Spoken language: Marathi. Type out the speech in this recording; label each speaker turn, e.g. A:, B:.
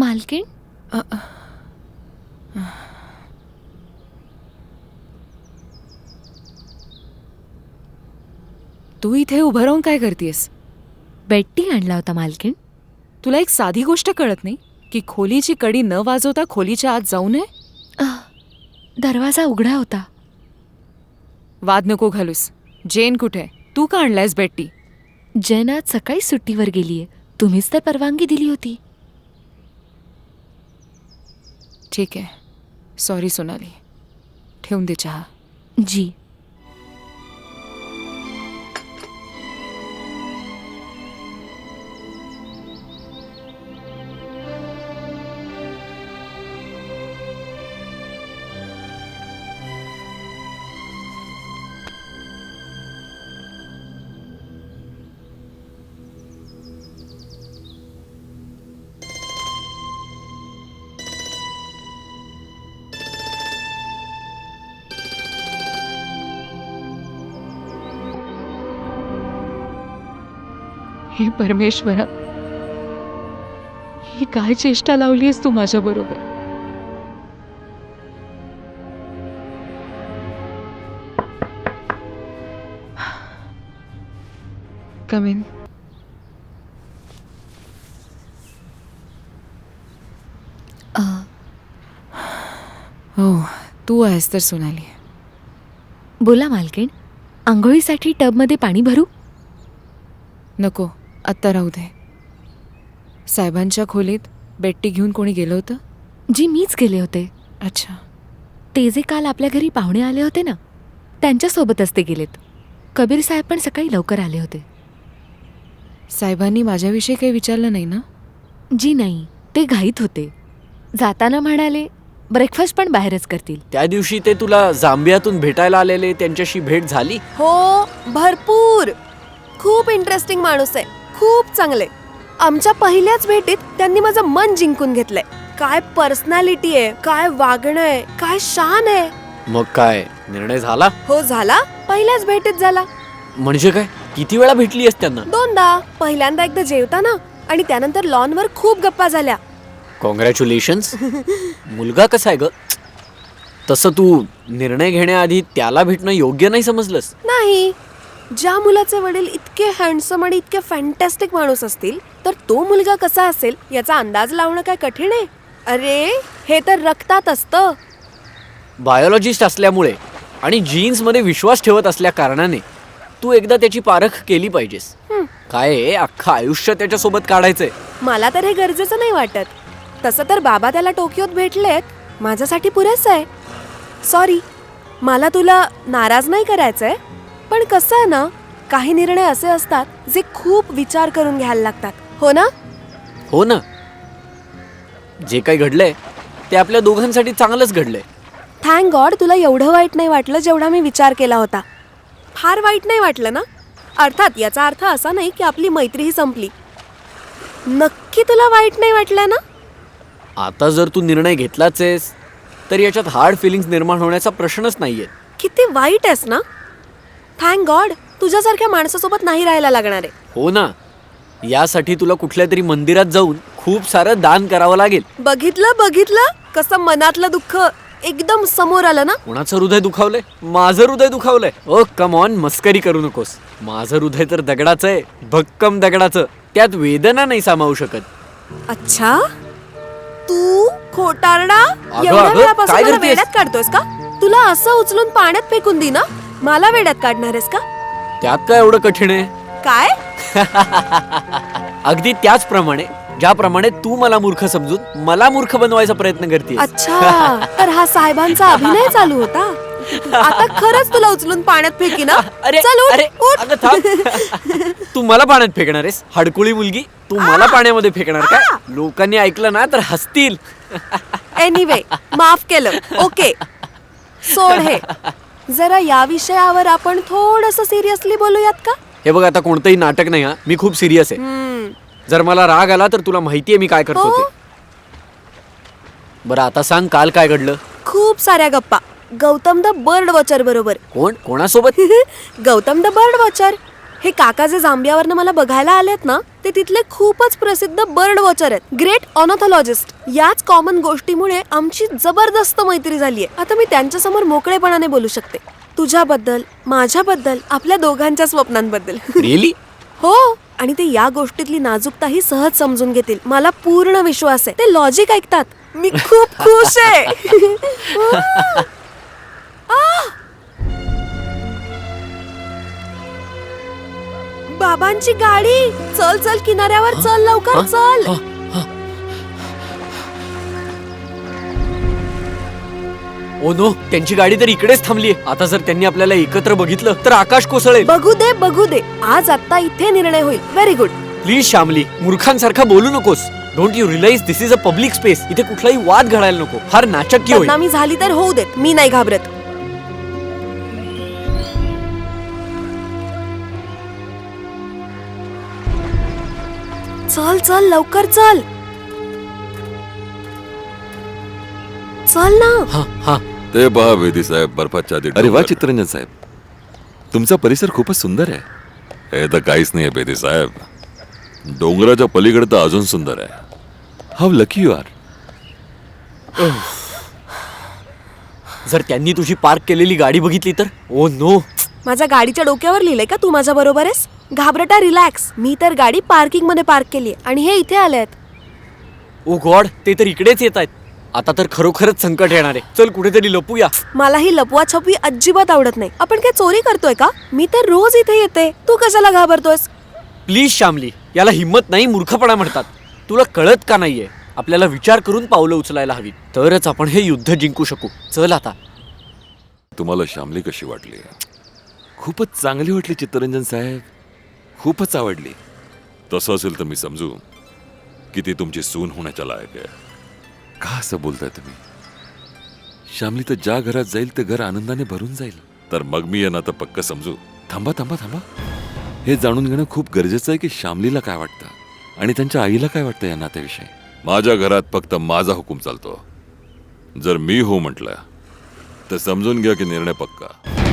A: मालकीण,
B: तू इथे उभं राहून काय करतेस?
A: बेट्टी आणला होता मालकीण.
B: तुला एक साधी गोष्ट कळत नाही की खोलीची कडी न वाजवता खोलीच्या आत जाऊ नये?
A: दरवाजा उघडा होता.
B: वाद नको घालूस. जेन कुठे? तू का आणलायस बेट्टी?
A: जेन आज सकाळी सुट्टीवर गेलीये. तुम्हीच तर परवानगी दिली होती.
B: ठीक आहे, सॉरी सोनाली. ठेवून दे चहा.
A: जी.
B: हे परमेश्वरा, ही काय चेष्टा लावलीस तू माझ्या बरोबर? Come in. हो, तू आहेस तर सोनाली.
A: बोला मालकीण. आंघोळीसाठी टबमध्ये पाणी भरू?
B: नको, आत्ता राहू दे. साहेबांच्या खोलीत बेट्टी घेऊन कोणी गेलं होतं?
A: जी, मीच गेले होते.
B: अच्छा.
A: ते जे काल आपल्या घरी पाहुणे आले होते ना, त्यांच्यासोबतच ते गेलेत. कबीर साहेब पण सकाळी लवकर आले होते.
B: साहेबांनी माझ्याविषयी काही विचारलं नाही ना?
A: जी नाही, ते घाईत होते. जाताना म्हणाले ब्रेकफास्ट पण बाहेरच करतील.
C: त्या दिवशी ते तुला जांबियातून भेटायला आलेले, त्यांच्याशी भेट झाली?
D: हो, भरपूर. खूप इंटरेस्टिंग माणूस आहे, खूप चांगले. आमच्या पहिल्याच भेटीत त्यांनी माझं मन जिंकून घेतलंय. काय पर्सनॅलिटी आहे, काय वागणं आहे, काय शान आहे.
C: मग काय निर्णय झाला?
D: हो, झाला. पहिल्याच भेटीत झाला.
C: म्हणजे काय, किती वेळा भेटली आहेस त्यांना?
D: दोनदा. पहिल्यांदा एकदा जेवताना आणि त्यानंतर लॉनवर खूप गप्पा झाल्या.
C: कॉंग्रॅच्युलेशन्स. मुलगा कसा आहे ग? तसं तू निर्णय घेण्याआधी त्याला भेटणं योग्य नाही समजलंस?
D: नाही, ज्या मुलाचे वडील इतके हँडसम आणि इतके फॅन्टॅस्टिक माणूस असतील तर तो मुलगा कसा असेल याचा अंदाज लावणं काय कठीण आहे? अरे, हे तर रक्तात असतं.
C: बायोलॉजिस्ट असल्यामुळे आणि जीन्स मध्ये विश्वास ठेवत असल्या कारणाने तू एकदा त्याची पारख केली पाहिजेस. काय आहे, अख्खं आयुष्य त्याच्यासोबत काढायचंय.
D: मला तर हे गरजेचं नाही वाटत. तसं तर बाबा त्याला टोकियोत भेटलेत, माझ्यासाठी पुरेसं आहे. सॉरी, मला तुला नाराज नाही करायचंय, पण कसं आहे ना, काही निर्णय असे असतात जे खूप विचार करून घ्यायला लागतात. हो ना?
C: हो ना. जे काही घडलंय ते आपल्या दोघांसाठी चांगलंच घडलंय.
D: थँक गॉड तुला एवढं वाईट नाही वाटलं जेवढा मी विचार केला होता. फार वाईट नाही वाटलं ना? अर्थात याचा अर्थ असा नाही की आपली मैत्रीही संपली. नक्की तुला वाईट नाही वाटलं ना?
C: आता जर तू निर्णय घेतलाच आहेस तर याच्यात हार्ड फिलिंग्स निर्माण होण्याचा प्रश्नच नाहीये.
D: किती वाईट आहेस ना? थँक गॉड तुझ्यासारख्या माणसासोबत नाही राहायला लागणार आहे.
C: हो ना. यासाठी तुला कुठल्या तरी मंदिरात जाऊन खूप सारं दान करावं लागेल.
D: बघितलं कसं मनातलं दुःख एकदम समोर आलं ना?
C: कोणाचं हृदय दुखावलंय? माझं हृदय दुखावलंय. ओ कम ऑन, मस्करी करू नकोस. माझं हृदय तर दगडाचं आहे, भक्कम दगडाचं. त्यात वेदना नाही सामावू शकत.
D: अच्छा, तू खोटारडा.
C: अगं,
D: एवढ्या
C: अगं,
D: वेळापासून
C: काय
D: मला
C: करतेस?
D: वेड्यात काढतोयस का? तुला असं उचलून पाण्यात फेकून दे ना, मला वेड्यात काढणार आहेस का?
C: त्यात काय एवढं कठीण आहे?
D: काय?
C: अगदी त्याचप्रमाणे ज्याप्रमाणे तू मला मूर्ख समजून मला मूर्ख बनवायचा प्रयत्न करतेस.
D: अच्छा, तर हा साहेबांचा अभिनय चालू होता. आता खरंच तुला उचलून पाण्यात फेकी ना?
C: अरे
D: चल उठ,
C: अरे
D: उठ.
C: अगं थांब. तू मला पाण्यात फेकणार आहेस? हडकुळी मुलगी, तू मला पाण्यामध्ये फेकणार काय? लोकांनी ऐकलं ना तर हसतील.
D: एनिवे, माफ केलं. ओके, सोड हे. जरा या विषयावर आपण थोडंसं सिरियसली बोलूयात का?
C: हे बघ, आता कोणतंही नाटक नाही. हा, मी खूप सिरियस आहे. जर मला राग आला तर तुला माहितीये मी काय करतो
D: हो.
C: ते. बरं आता सांग, काल काय घडलं?
D: खूप साऱ्या गप्पा गौतम द बर्ड वॉचर बरोबर.
C: कोणासोबत?
D: Gautam the bird watcher. हे काका जे जांबियावरनं मला बघायला आलेत ना, ते तिथले खूपच प्रसिद्ध बर्ड वॉचर आहेत, ग्रेट ऑनॉथॉलॉजिस्ट. याच कॉमन गोष्टीमुळे आमची जबरदस्त मैत्री झालीये. आता मी त्यांच्यासमोर मोकळेपणाने बोलू शकते, तुझ्याबद्दल, माझ्याबद्दल, आपल्या दोघांच्या स्वप्नांबद्दल.
C: रिअली?
D: हो, आणि ते या गोष्टीतली नाजूकताही सहज समजून घेतील. मला पूर्ण विश्वास आहे. ते लॉजिक ऐकतात. मी खूप खुश आहे. बाबांची गाडी. चल चल, किनाऱ्यावर चल, लवकर चल.
C: ओ नो, त्यांची गाडी तर इकडेच थांबलीये. आता जर त्यांनी आपल्याला एकत्र बघितलं तर आकाश कोसळेल.
D: बघू दे बघू दे, आज आता इथे निर्णय होईल. Very good.
C: प्लीज श्यामली, मूर्खांसारखा बोलू नकोस. Don't you realise this is a public space. इथे कुठलाही वाद घडायला नको. फार नाचक्की होईल.
D: बदनामी झाली तर होऊ देत, मी नाही घाबरत. चल चल, लवकर चल. चल ना.
C: हा हा.
E: ते पहा वेदी साहेब, बर्फाच्या आधी
F: अरे वा
E: डोंगर.
F: चित्ररंजन साहेब, तुमचा परिसर खूपच सुंदर आहे.
E: हे तर काहीच नाही बेदी साहेब, डोंगराच्या पलीकडे तर अजून सुंदर आहे.
F: How lucky you are.
C: जर त्यांनी तुझी पार्क केलेली गाडी बघितली तर? Oh no.
D: माझ्या गाडीच्या डोक्यावर लिहिलंय का तू माझ्या बरोबर आहेस? घाबरटा, रिलॅक्स. मी तर गाडी पार्किंग मध्ये पार्क केली आणि हे इथे आले आहेत.
C: ओ गॉड, ते तर इकडेच येत आहेत. आता तर खरोखरच संकट येणार आहे. चल कुठेतरी लपूया.
D: मला ही लपवा छपवी अजिबात आवडत नाही. आपण काय चोरी करतोय का? मी तर रोज इथे येते. तू कशाला घाबरतोयस?
C: प्लीज श्यामली, याला हिम्मत नाही, मूर्खपणा म्हणतात. तुला कळत का नाहीये? आपल्याला विचार करून पावलं उचलायला हवी, तरच आपण हे युद्ध जिंकू शकू. चल आता.
E: तुम्हाला श्यामली कशी वाटली?
F: खूपच चांगली वाटली चित्ररंजन साहेब, खूपच आवडली.
E: तसं असेल तर मी समजू की ती तुमची सून होण्याच्या लायक आहे.
F: का असं बोलताय तुम्ही? श्यामली तर ज्या घरात जाईल ते घर आनंदाने भरून जाईल.
E: तर मग मी यांना तर पक्क समजू.
F: थांबा थांबा थांबा, हे जाणून घेणं खूप गरजेचं आहे की श्यामलीला काय वाटतं आणि त्यांच्या आईला काय वाटतं या नात्याविषयी.
E: माझ्या घरात फक्त माझा हुकूम चालतो. जर मी हो म्हटलं तर समजून घ्या की निर्णय पक्का.